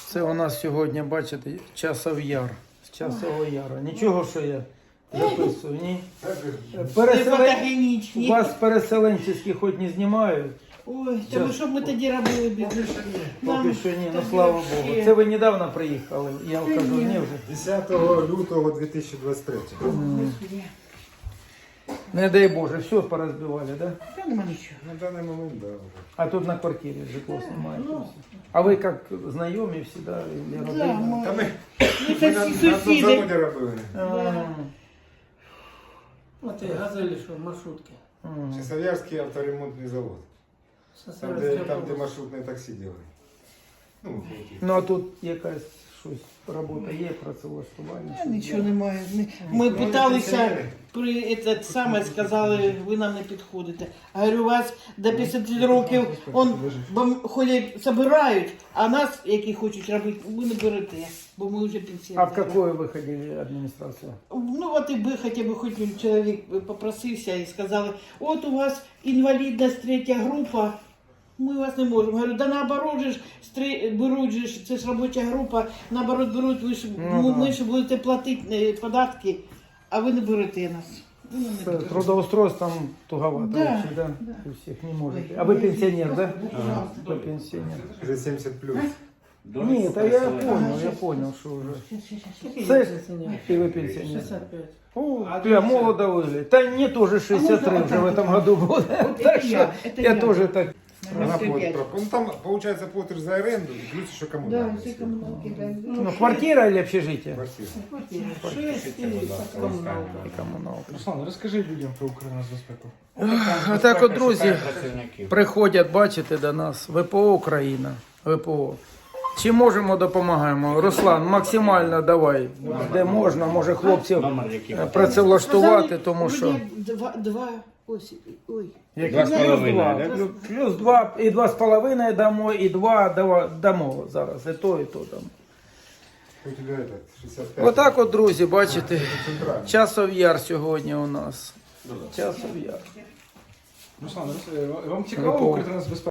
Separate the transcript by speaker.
Speaker 1: Це у нас сьогодні, бачите, часов яр. З Часового Яру. Нічого, що я записую, ні?
Speaker 2: Фотогенічні.
Speaker 1: Вас переселенці хоч не знімають.
Speaker 2: Ой, та ви що б ми тоді робили б?
Speaker 1: Поки що ні, ну слава Богу. Це ви недавно приїхали, я вам кажу, ні вже.
Speaker 3: 10 лютого 2023.
Speaker 1: Не дай Боже, все порозбивали, да?
Speaker 2: Та нема нічого.
Speaker 3: На даний момент, да, вже.
Speaker 1: А тут на квартирі житло знімаєте. А ви як знайомі всі, да? Или
Speaker 2: Да,
Speaker 1: родина?
Speaker 2: ми,
Speaker 3: Та ми
Speaker 2: ми це
Speaker 3: на
Speaker 2: всі
Speaker 3: тому
Speaker 2: сусіди.
Speaker 3: заводі робили.
Speaker 4: Вот и газели, что маршрутки.
Speaker 3: Часов'ярський авторемонтний завод. Там, де маршрутне таксі делали. Ну,
Speaker 1: Ну а тут якась щось робота є, працевлаштування?
Speaker 2: Та нічого немає. Ми питалися, це саме сказали, ви нам не підходите. А говорю, у вас до 50 років ходять, збирають, а нас, які хочуть робити, ви не берете, бо ми вже
Speaker 1: А
Speaker 2: пенсіонери.
Speaker 1: в какую вы ходили администрацию?
Speaker 2: Ну от і би хоча б хоч чоловік попросився і сказали, от у вас інвалідність 3 група, ми вас не можемо. Говорю, да наоборот же ж беруть же ж, це ж робоча група, наоборот беруть, ви ж, ми ж будете платити податки, а ви не берете нас. Ви нам не берете.
Speaker 1: Трудоустройством туговато
Speaker 2: Да,
Speaker 1: вообще, да? У всех не можете. А вы пенсионер, да? Вы пенсионер.
Speaker 3: вже 70 плюс.
Speaker 1: Нет, а я понял, что уже. И вы пенсионер.
Speaker 4: 65.
Speaker 1: О, я молодо выглядит. Да мне тоже 63 уже в этом году будет. Так что я тоже так.
Speaker 3: Ну там, получается, платишь за аренду, и плюс еще
Speaker 2: Да,
Speaker 3: коммунальные.
Speaker 2: всі комуналки, да.
Speaker 1: Ну, квартира или общежитие?
Speaker 3: Квартира.
Speaker 4: 6 и коммуналка.
Speaker 1: И коммуналка.
Speaker 5: Руслан, розкажи людям про Укрнацбезпеку.
Speaker 1: Отак от, друзі, приходять, бачите, до нас ВПО Україна, ВПО. Чи можемо, допомагаємо? Руслан, максимально давай, де можна, може хлопців працевлаштувати, тому що...
Speaker 2: Ось, ой.
Speaker 1: Плюс 2, і 2,5 дамо, і 2 дамо зараз, і то там.
Speaker 3: У тебя этот, 65.
Speaker 1: Отак от, друзі, бачите,
Speaker 3: Центральный.
Speaker 1: Часов Яр сьогодні у нас. Часов Яр.
Speaker 5: Руслан, вам цікаво
Speaker 1: ВПО.
Speaker 5: Укртрансбезпека?